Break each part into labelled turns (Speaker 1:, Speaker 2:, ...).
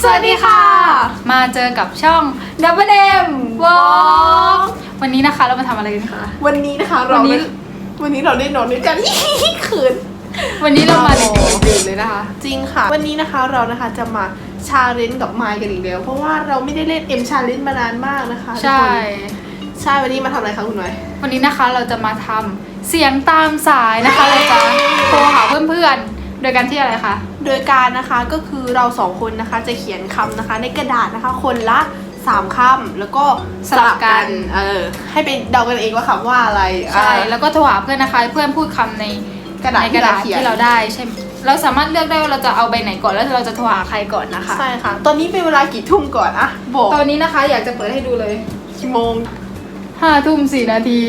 Speaker 1: วัสดีค่ะมาเจอกับช่อง WM Walk วันนี้นะคะเรามาทำอะไรกันคะ
Speaker 2: วันนี้นะคะเราได้นอนด้วยกันคืน
Speaker 1: วันนี้เรามาดื่นเลยนะคะ
Speaker 2: จริงค่ะวันนี้นะคะเรานะคะจะมาชาเลนจ์กับไมค์กันอีกแล้วเพราะว่าเราไม่ได้เล่นชาเลนจ์มานานมากนะคะ
Speaker 1: ใช่
Speaker 2: วันนี้มาทำอะไรคะคุณน้อย
Speaker 1: วันนี้นะคะเราจะมาทำเสียงตามสายนะคะเราจะโทรหาเพื่อนๆโดยการที่อะไรคะ
Speaker 2: โดยการนะคะก็คือเราสองคนนะคะจะเขียนคำนะคะในกระดาษนะคะคนละ3 คำแล้วก็
Speaker 1: สลับกัน
Speaker 2: ให้ไปเดากันเองว่าคำว่าอะไร
Speaker 1: ใช่แล้วก็โทรหาเพื่อนนะคะเพื่อนพูดคำในกระดาษที่เราได้ใช่เราสามารถเลือกได้ว่าเราจะเอาใบไหนก่อนแล้วเราจะโทรหาใครก่อนนะคะ
Speaker 2: ใช่ค่ะตอนนี้เป็นเวลากี่ทุ่มก่อนอะบอก
Speaker 1: ตอนนี้นะคะอยากจะเปิดให้ดูเลย
Speaker 2: กี่โมง
Speaker 1: 5 ทุ่ม 4 นาที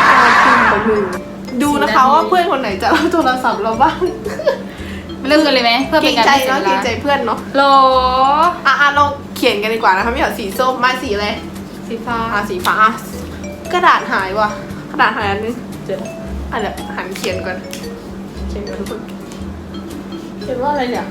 Speaker 2: ดูนะคะว่าเพื่อนคนไหนจะรับโทรศัพท์เราบ้าง
Speaker 1: เริ่มกันเลยไหมเพื่อเป็นการ
Speaker 2: เกรงใจเพื่อนเนาะ
Speaker 1: โหล
Speaker 2: เราเขียนกันดีกว่านะคะไม่เอาสีส้มมาสีอะไร
Speaker 1: สีฟ้า
Speaker 2: สีฟ้ากระดาษหายว่ะกระดาษหายอันนึงเดี๋ยวหันเขียนก่อนเขียนก่อนทุกคนเขียนว่าอะไรเนี่ย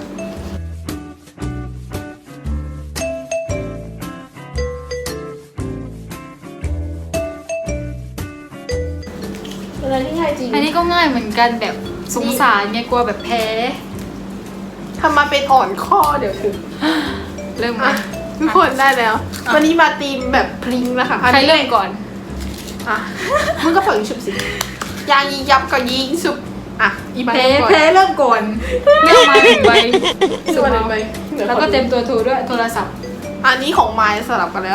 Speaker 2: อะไรที่ง่ายจริง
Speaker 1: อันนี้ก็ง่ายเหมือนกันแบบสงสารไงกลัวแบบแพ้
Speaker 2: ทำมาเป็นอ่อนข้อเดี๋ยวถึง
Speaker 1: เริ่มมา
Speaker 2: ทุกคนได้แล้ววันนี้มาตีมแบบพลิงนะคะ
Speaker 1: ใครเริ่มก่อน
Speaker 2: มึงก็ฝังชุบสิยางยิงยับกับยิงชุบ
Speaker 1: อีแพ้เริ่มก่อนเริ่มมาถึงใบสุดแล้วก็เต็มตัวถูด้วยโทรศัพท์
Speaker 2: อันนี้ของไม้สลับกันแล้ว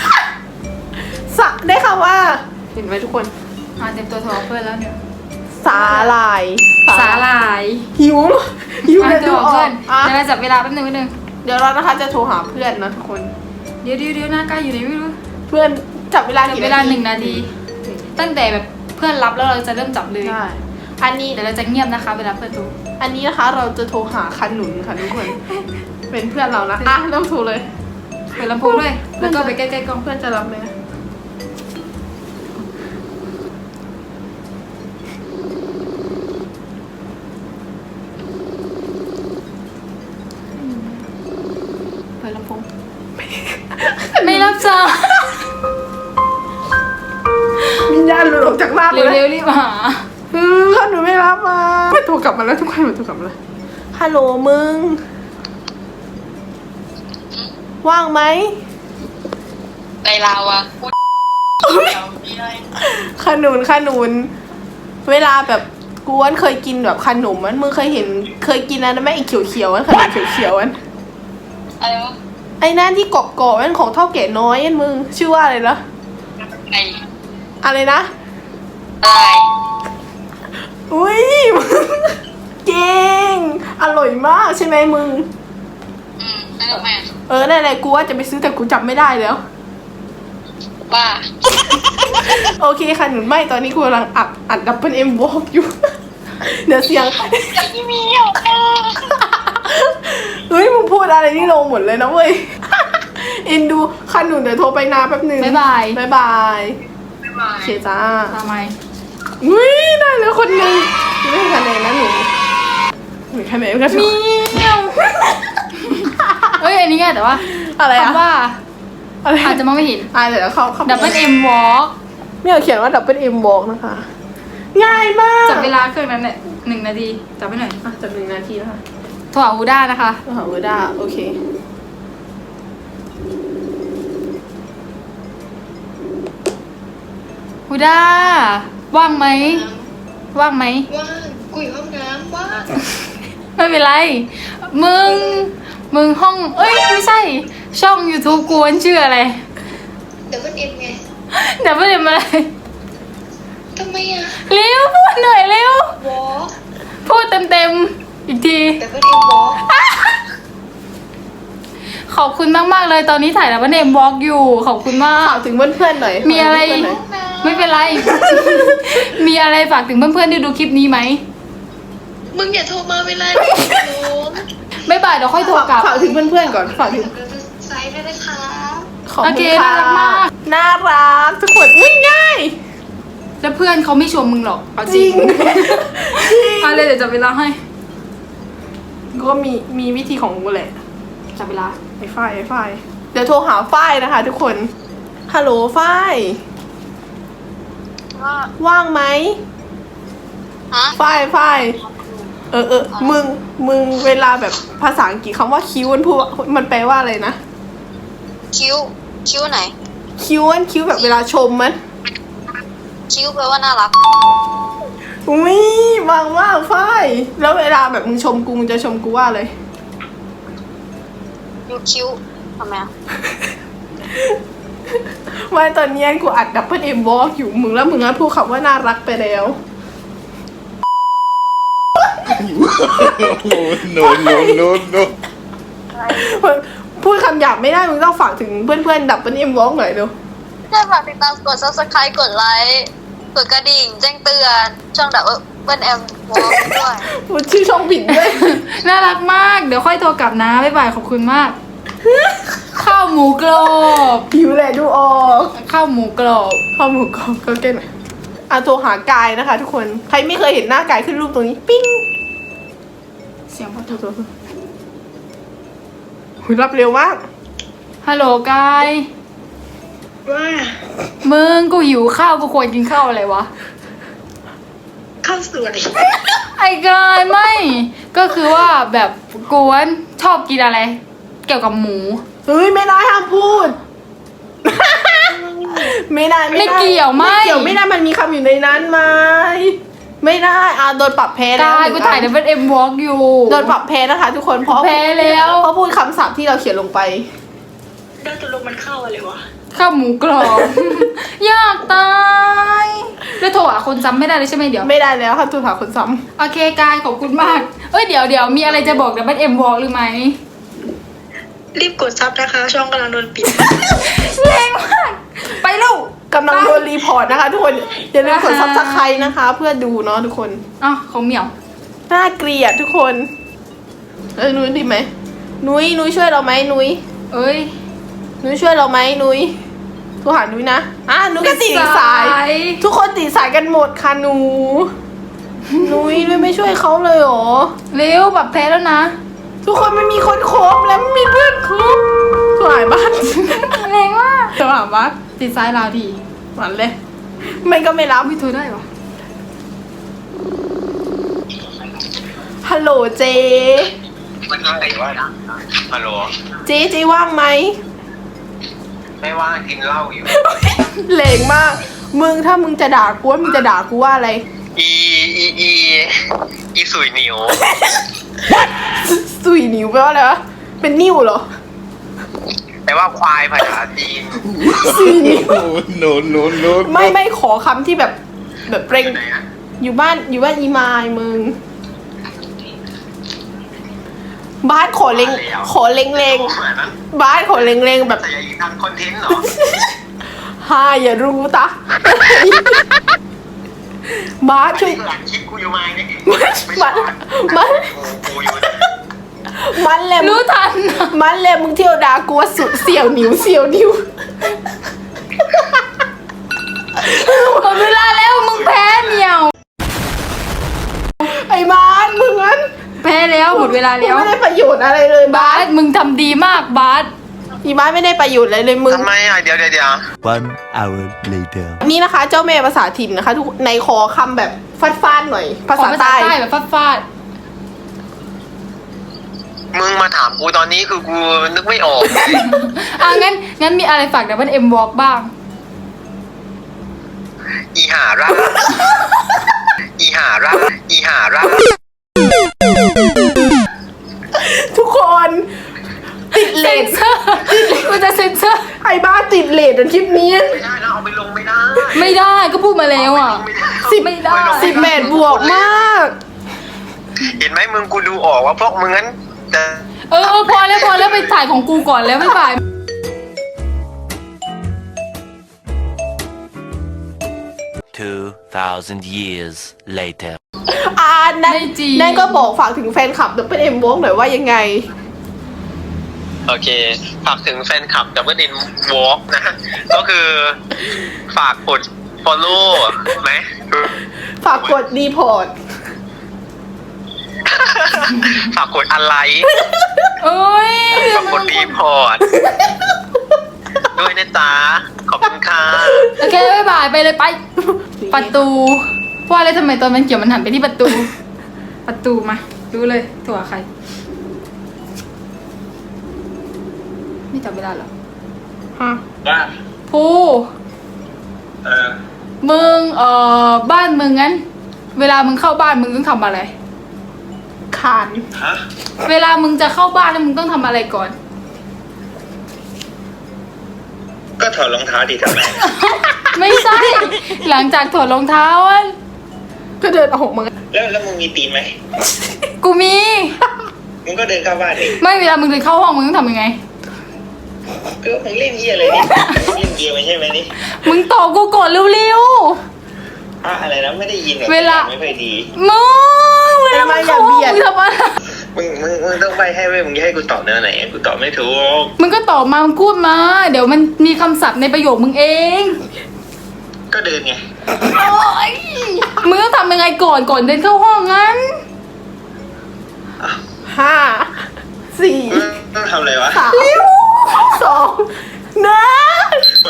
Speaker 2: ได้ค่ะว่าเห็นไหมทุกคน
Speaker 1: เต็มตัวโทรเพื่อนแล้วเนี่ย
Speaker 2: สาลายหิว
Speaker 1: เลยดูเพื่อนเดี๋ยวเราจับเวลาแป๊บนึง
Speaker 2: เดี๋ยวเรานะคะจะโทรหาเพื่อนนะทุกคน
Speaker 1: เดี๋ยวหน้าใกล้อยู่ไหนไม่รู้
Speaker 2: เพื่อนจับเวลากี่นาที
Speaker 1: 1 นาทีตั้งแต่แบบเพื่อนรับแล้วเราจะเริ่มจับเลย
Speaker 2: อันนี้
Speaker 1: เดี๋ยวเราจะเงียบนะคะเวลาเพื่อนโทร
Speaker 2: อันนี้นะคะเราจะโทรหาขนุนค่ะทุกคนเป็นเพื่อนเรานะเริ่มโทรเลย
Speaker 1: เปิดลำโพงด้วยแล้วก็ไปใกล้ๆกล้อง
Speaker 2: เพื่อนจะรับไหม
Speaker 1: เปิดลำโพงไม่รับจ้า
Speaker 2: วิญญาณหลุดออกจากร่าง
Speaker 1: เร็วรีบหา
Speaker 2: ขนุนไม่รับมาไม่โทรกลับมาแล้วทุกคนโทรกลับมาเลยฮัลโหลมึงว่างไหม
Speaker 3: ในลาวอะ
Speaker 2: ขนุนเวลาแบบกวนเคยกินแบบขนมมันมึงเคยกินนะแม่ไอ้เขียวๆอันขนมเขียวๆอัน
Speaker 3: อะไรวะ
Speaker 2: ไอ้นั่นที่กรอบๆอันของเท่าแก่น้อยอันมึงชื่อว่าอะไรนะอะไรนะอุ้ยเก่งอร่อยมากใช่ไหมมึงนั่นแหละกูว่าจะไปซื้อแต่กูจำไม่ได้แล้ว
Speaker 3: บ้า
Speaker 2: โอเคค่ะหนุนไม่ตอนนี้กูกำลังอัดWM Walk อยู่เดี๋ยวเสียง
Speaker 3: ไม่มีหรอก
Speaker 2: เฮ้ยมึงพูดอะไรนี่ลงหมดเลยนะเว้ยเอ็นดูค่ะหนุนเดี๋ยวโทรไปนาแป๊บนึง
Speaker 1: บ๊ายบาย
Speaker 2: เชียร์จ้า
Speaker 1: ทำไม
Speaker 2: อุ้ยได้แล้วคนนึงไม่ให้คะแนนนะหนูมีคะแนนกัน
Speaker 1: มีเฮ้ยอันนี้ไงแต่ว่า
Speaker 2: อะไร
Speaker 1: คำว่าอาจจะมองไม่เห็น
Speaker 2: เดี๋ยวเขา
Speaker 1: WM Walk
Speaker 2: ไม่เอาเขียนว่า WM Walk นะคะง่ายมาก
Speaker 1: จับเวลาเครื่องนั้นเนี่ย1 นาทีจับไปหน่อย
Speaker 2: จับ1 นาทีนะคะ
Speaker 1: โทรหาฮูด้านะคะ
Speaker 2: โทรหาฮูด้าโอเค
Speaker 1: ฮูด้าว่างไหมว่าง
Speaker 3: คุยห้องน้ำว่าง
Speaker 1: ไม่เป็นไรมึงห้องไม่ใช่ช่อง YouTube กวนชื่ออะไร
Speaker 3: WMไง
Speaker 1: WMอะไร
Speaker 3: ทำไมอะ
Speaker 1: เร็วพูดหน่อยเร็ว
Speaker 3: Walk
Speaker 1: พูดเต็มอีกที
Speaker 3: WM Walk
Speaker 1: ขอบคุณมากเลยตอนนี้ถ่ายWM Walk อยู่ขอบคุณมาก
Speaker 2: ฝากถึงเพื่อนๆหน่อย
Speaker 1: มีอะไรไม่เป็นไรมีอะไรฝากถึงเพื่อนๆที่ดูคลิปนี้ไหม
Speaker 3: มึงอย่าโทรมาเวลา
Speaker 1: ไม่บ่ายเดี๋ยวค่อยโทรกลับ
Speaker 2: ฝากถึงเพื่อนๆก่อนฝากถึง
Speaker 3: ไซด์ด้วยนะคะ
Speaker 2: ขอบคุณค่ะน่ารักทุกคนง่าย
Speaker 1: แล้วเพื่อนเขาไม่ชมมึงหรอกเอาจริงเอาเลยเดี๋ยวจับเวลาให้
Speaker 2: ก็มีวิธีของกูแหละ
Speaker 1: จับเวลา
Speaker 2: ไอ้ฝ้ายเดี๋ยวโทรหาฝ้ายนะคะ ทุกคนฮัลโหลฝ้ายว่างไหม
Speaker 4: ฮะ
Speaker 2: ฝ้ายมึงเวลาแบบภาษาอังกฤษคำว่าคิ้วมันพูดมันแปลว่าอะไรนะ
Speaker 4: คิ้วไหน
Speaker 2: คิ้วแบบเวลาชมมัน
Speaker 4: คิ้วแปลว่าน่ารัก
Speaker 2: อุ้ยว่างฝ้ายแล้วเวลาแบบมึงชมกูมึงจะชมกูว่าอะไร
Speaker 4: ยูคิ้วทำไมอ่ะ
Speaker 2: ไม่ตอนนี้กูอัดดับเบิลเอ็มวอล์กอยู่มึงแล้วมึงพูดคำว่าน่ารักไปแล้ว
Speaker 5: no, no, no, no.
Speaker 2: พูดคำหยาบไม่ได้มึงต้องฝากถึงเพื่อนๆดับเบิลเอ็มวอล์กหน่อยเร็ว
Speaker 4: ช่วยฝากติดตามกด subscribe กดไลค์กดกระดิ่งแจ้งเตือนช่องดับเบิลแอมวอลด้วย
Speaker 2: พูดชื่อช่องผิดด้วย
Speaker 1: น่ารักมาก เดี๋ยวค่อยโทรกลับนะ บ๊ายบาย ขอบคุณมาก ข้าวหมูกรอบ
Speaker 2: ผิวแหละดูออก
Speaker 1: ข้าวหมูกรอบ
Speaker 2: ข้อมูลก็เก่งหน่อยโทรหากายนะคะ ทุกคนใครไม่เคยเห็นหน้ากายขึ้นรูปตรงนี้ปิ้ง
Speaker 1: เสียงพอ
Speaker 2: โทรหุยรับเร็วมาก
Speaker 1: ฮัลโหลกาย
Speaker 3: ว่า
Speaker 1: มึงกูหิวข้าวกูควรกินข้าวอะไรวะ
Speaker 3: ข้าวสวย
Speaker 1: ไอ้กายไม่ ก็คือว่าแบบกวนชอบกินอะไร เกี่ยวกับหมู
Speaker 2: เฮ้ยไม่ได้ห้ามพูด ไม่ได้
Speaker 1: ไม่เกี่ยวไม่
Speaker 2: เกี่ยวไม่ได้มันมีคำอยู่ในนั้นไหมไม่ได้โดนปรับแพ้แล้ว
Speaker 1: กายกูถ่ายดับเบิลเอ็มวอล์กอยู่
Speaker 2: โดนปรับแพ้นะคะ ทุกคนเพราะ
Speaker 1: แพ้แล้ว
Speaker 2: เพราะพูดคำศัพท์ที่เราเขียนลงไป
Speaker 3: ได้ตกลงมันเข้าอะไรวะ
Speaker 1: ข้าวหมูกรอบ อยากตาย แล้วโทรหาคนจำไม่ได้เลยใช่ไหมเดี๋ยว
Speaker 2: ไม่ได้แล้วค่ะตัวหาคนซ้
Speaker 1: โอเคกายขอบคุณมาก เอ้ยเดี๋ยวมีอะไรจะบอกดับเบิลเอ็มวอล์กหรือไหม
Speaker 3: รีบกดซับนะคะ ช่องกำลังโดนปิด
Speaker 1: แรงมาก ไปลูก
Speaker 2: ำกำลังโดนรีพอร์ตนะคะ ทุกคนอย่าลืมกดซับสไครต์นะคะ เพื่อดูเนาะทุกคน
Speaker 1: อ๋อของเหมียว
Speaker 2: น่าเกลียดทุกคนนุ้ยดีไหมนุ้ยช่วยเราไหมนุ้ย
Speaker 1: เอ้ย
Speaker 2: นุ้ยช่วยเราไหมนุ้ยโทรหานุ้ยนะนุ้ยก็ติดอีกสาย ทุกคนติดสายกันหมดค่ะนุ้ยไม่ช่วยเขาเลยเหรอ
Speaker 1: เร็วแบบแพ้แล้วนะ
Speaker 2: ทุกคนไม่มีคนคบแล้วไม่มีเพื่อนคบโทรหาบ้าน
Speaker 1: แรงมาก
Speaker 2: โทรหาบ้าน
Speaker 1: ติดซ้ายลาวที
Speaker 2: หวานเลยไม่ก็ไม่รับ
Speaker 1: ไม่โทรได้ปะ
Speaker 2: ฮัลโหลเจ
Speaker 5: มันอะไรวะฮัลโหล
Speaker 2: เจว่างไหม
Speaker 5: ไม่ว่างกินเหล้าอยู่
Speaker 2: เหลงมากมึงถ้ามึงจะด่ากูมึงจะด่ากูว่าอะไร
Speaker 5: อีสุยเหนียว
Speaker 2: สุยนิ้วแปลว่าอะไรวะเป็นนิ้วเหรอ
Speaker 5: แต่ว่าควายภาษาจีน
Speaker 2: สุยนิ้ว
Speaker 5: no, no, no.
Speaker 2: ไม่ขอคำที่แบบเปร่ง
Speaker 5: ไหนอะ
Speaker 2: อยู่บ้านอีมายมึงบ้านขอเล็ง
Speaker 5: เหมือนนั้น
Speaker 2: บ้านขอเล็งแบบ
Speaker 5: แต่อย่าทำคอนเทนต์เหรอ
Speaker 2: ฮาอย่ารู้ตะ บ้านช่วย
Speaker 5: เพื่อนคลิปกูอยู่มาเนี่ย กูอยู่
Speaker 2: มันแหละ
Speaker 1: รู้ทัน
Speaker 2: มันแหละมึงเที่ยวด่ากูว่าสุเสี่ยวนิ้ว
Speaker 1: หมดเวลาแล้วมึงแพ้เหมียว
Speaker 2: ไอ้บ้านมึงงั้น
Speaker 1: แพ้แล้วหมดเวลา
Speaker 2: มึง
Speaker 1: แล้ว
Speaker 2: ไม่ได้ประโยชน์อะไรเลยบ้า
Speaker 1: บาน สมึงทำดีมากบาส
Speaker 2: อีบ้านไม่ได้ประโยชน์อะไรเลยมึง
Speaker 5: ทำไมอ่ะเดี๋ยว
Speaker 6: One hour later.
Speaker 2: นี่นะคะเจ้าแม่ภาษาถิ่นนะคะทุกในคอคำแบบฟาดหน่อย ภา
Speaker 1: ขอ
Speaker 2: ษา
Speaker 1: ภาษา
Speaker 2: ใต้
Speaker 1: ใต้แบบฟาด
Speaker 5: มึงมาถามกูตอนนี้คือกูนึกไม่ออก
Speaker 1: งั้นมีอะไรฝากดับเบิลเอ็มวอล์กบ้าง
Speaker 5: อีหาร่า
Speaker 2: ทุกคนติดเล
Speaker 1: เซ
Speaker 2: ท
Speaker 1: นเซอร์กูจะเซนเซอร์
Speaker 2: ไอ้บ้าติดเลทในคลิปนี้
Speaker 5: ไม่ได้นะเอาไปลงไม่ได้
Speaker 1: ไม่ได้ก็พูดมาแล้วอ่ะ ไม่ได้
Speaker 2: 18 บวกมาก
Speaker 5: เห็นไหมมึงกูดูออกว่าพวกมึงงั้นจะ
Speaker 1: พอแล้วไปถ่ายของกูก่อนแล้วไม่บ่าย
Speaker 6: 2,000 years later.
Speaker 2: นั่น
Speaker 1: ไม่จริง
Speaker 2: นั่นก็บอกฝากถึงแฟนคลับดับเบิลเอ็มวงหน่อยว่ายังไง
Speaker 5: โอเค ฝากถึงแฟนคลับ Double In Walk นะ ก็คือฝากกด follow ไหม
Speaker 2: ฝากกดรีพอร์ต
Speaker 5: ฝากกดอะไร
Speaker 1: เอ้ย
Speaker 5: ขอบคุณรีพอร์ตด้วยนะจ๊ะขอบคุณค่ะ
Speaker 1: โอเคบ๊ายบายไปเลยไป ประตูว่าอะไรทำไมตอนมันเกี่ยวมันหันไปที่ประตู ประตูมารู้เลยตัวใคร ไม่จับเวลาเหรอ
Speaker 2: ฮะ
Speaker 5: ว่า
Speaker 1: ภู มึงบ้านมึงงั้น เวลามึงเข้าบ้านมึงต้องทำอะไร
Speaker 2: คาน
Speaker 5: ฮะ
Speaker 1: เวลามึงจะเข้าบ้านแล้วมึงต้องทำอะไรก่อน
Speaker 5: ก็ถอดรองเท้าดิทำไม
Speaker 1: ไม่ใช่ หลังจากถอดรองเท้าอะ
Speaker 2: ก็เดินออกมา
Speaker 5: แล้วมึงมีตีนไหม
Speaker 1: กูมี
Speaker 5: มึงก็เดินเข้าบ้านดิ
Speaker 1: ไม่เวลามึงเดินเข้าห้องมึงต้องทำยังไง
Speaker 5: ก็มึงเล่นเหี้ยอะไรนี่เล่นเกมไม่ใช่ไหมนี่
Speaker 1: มึงตอบกูก่อนเร็ว
Speaker 5: อะไรนะไม่ได้ยินแบบ
Speaker 1: เวลา
Speaker 5: ไม่ค่อยดี
Speaker 1: ๆมึงเวลามึงเข้าห้องมึงทำอะไร
Speaker 5: มึงต้องไปให้เว้ยมึงจะให้กูตอบเนื้อไหนกูตอบไม่ถูก
Speaker 1: มึงก็ตอบมามึงพูดมา เดี๋ยวมันมีคำศัพท์ในประโยคมึงเอง
Speaker 5: ก็เดินไง
Speaker 1: โอ๊ยมึงต้องทำยังไงก่อนเดินเข้าห้องงั้น
Speaker 2: ห้า สี่
Speaker 5: ต้องทำอะไรวะ
Speaker 2: สามสองหนึ่ง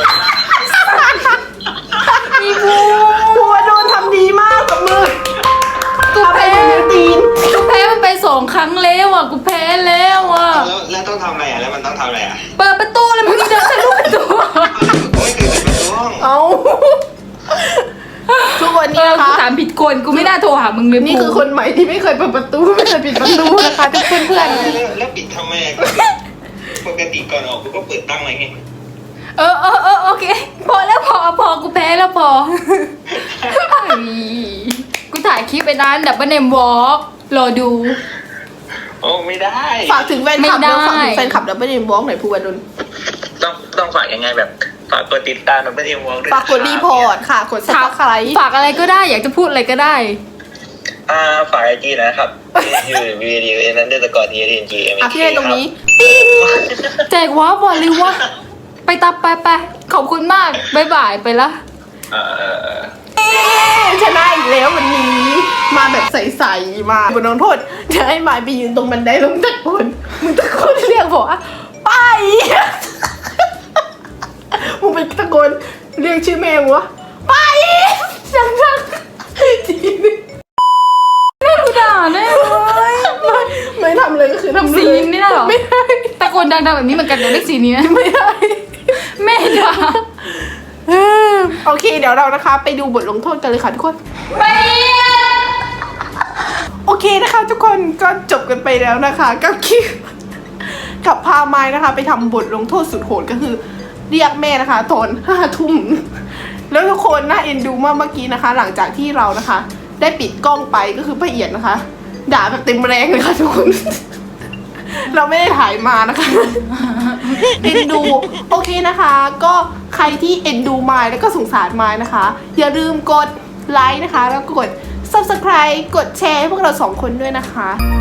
Speaker 1: มีบู
Speaker 2: หัวโดนทำดีมากกับมือ
Speaker 1: กู
Speaker 2: ทำไป
Speaker 1: แพ้
Speaker 2: ในตีน
Speaker 1: กูแพ้มันไป2 ครั้งแล้วอ่ะ กูแพ้แล้วอ่ะ
Speaker 5: แล้วต้องทำอะไรอ่ะแล้วมันต้องทำอะไรอ่ะ
Speaker 1: เปิดประตูเลยมึงเดินทะลุประตู
Speaker 5: กูไม่เคยเปิดประตูห้อง
Speaker 2: เอาทุกวัน
Speaker 1: เอ
Speaker 2: นี้
Speaker 1: อ
Speaker 2: นะ
Speaker 1: กู
Speaker 2: คะ
Speaker 1: ถามผิดคนกูไม่น่าโทรหามึงเลย
Speaker 2: นี่คือคนใหม่ที่ไม่เคยเปิดประตูไม่เคยปิดประตูนะคะทุกเพื่อน
Speaker 5: แล้วปิดทำไมอ่ะปกติก่อนออกกูก็เปิดตั้งไว้ไง
Speaker 1: เออโอเค พอแล้วพอกูแพ้แล้วพอกูถ่ายคลิปไปนั้นดับเบิลเนมวอล์กรอดู
Speaker 5: โอ้ไม่ได้
Speaker 2: ๆฝากถึงแฟนคลับ
Speaker 1: ไม่ได้
Speaker 2: แล้วฝากถึงแฟนคลับดับเบิลเอ็มวอล์กหน่อยภูวดล
Speaker 5: ต้องฝากยังไงแบบฝากกดติดตามมันไม่ได้วงด้วย
Speaker 2: ฝากกดรีพอร์ตค่ะกดซับสไครต์
Speaker 1: ฝากอะไรก็ได้อยากจะพูดอะไรก็ได้
Speaker 5: ฝากไอจีนะครับยูนั้นเดอร์สกอร์ทีเอ็นจี
Speaker 2: อ่ะพี่ให้ตรงนี้
Speaker 1: แจกว้าบอลเลยวะไปตับไปขอบคุณมากบ๊ายบายไปละ
Speaker 2: ชนะอีกแล้ววันนี้ มาแบบใสๆมาบนน้องโทษจะให้มายไปยืนตรงบันไดแล้วมึงตะโกนเรียกบอกว่าไปมึงไปตะโกนเรียกชื่อแม่มึงวะไปจังๆทีนึง
Speaker 1: แม่กูด่าแน่เลย
Speaker 2: ไม่ทำเลยก็คือทำเลย
Speaker 1: สีนี้ไม่ได้หรอ
Speaker 2: ไม่ได้
Speaker 1: ตะโกนดังๆแบบนี้เหมือนกันแต่เลขสีนี้นะ
Speaker 2: ไม่ได้
Speaker 1: แม่ด่า
Speaker 2: โอเคเดี๋ยวเรานะคะ ไปดูบทลงโทษกันเลยค่ะทุกคน
Speaker 1: ไป
Speaker 2: โอเคนะคะทุกคนก็จบกันไปแล้วนะคะกับคลิปกับพาไม้นะคะ ไปทำบทลงโทษสุดโหดก็คือ เรียกแม่นะคะตอน5 ทุ่มแล้วทุกคนน่าเอ็นดูมากเมื่อกี้นะคะ หลังจากที่เรานะคะ ได้ปิดกล้องไปก็คือละเอียดนะคะ ด่าแบบเต็มแรงเลยค่ะทุกคน เราไม่ได้ถ่ายมานะคะ เอ็นดูโอเคนะคะ ก็ใครที่เอ็นดูไมล์แล้วก็สงสารไมล์นะคะ อย่าลืมกดไลค์นะคะ แล้วก็กด subscribe กดแชร์ให้พวกเรา2 คนด้วยนะคะ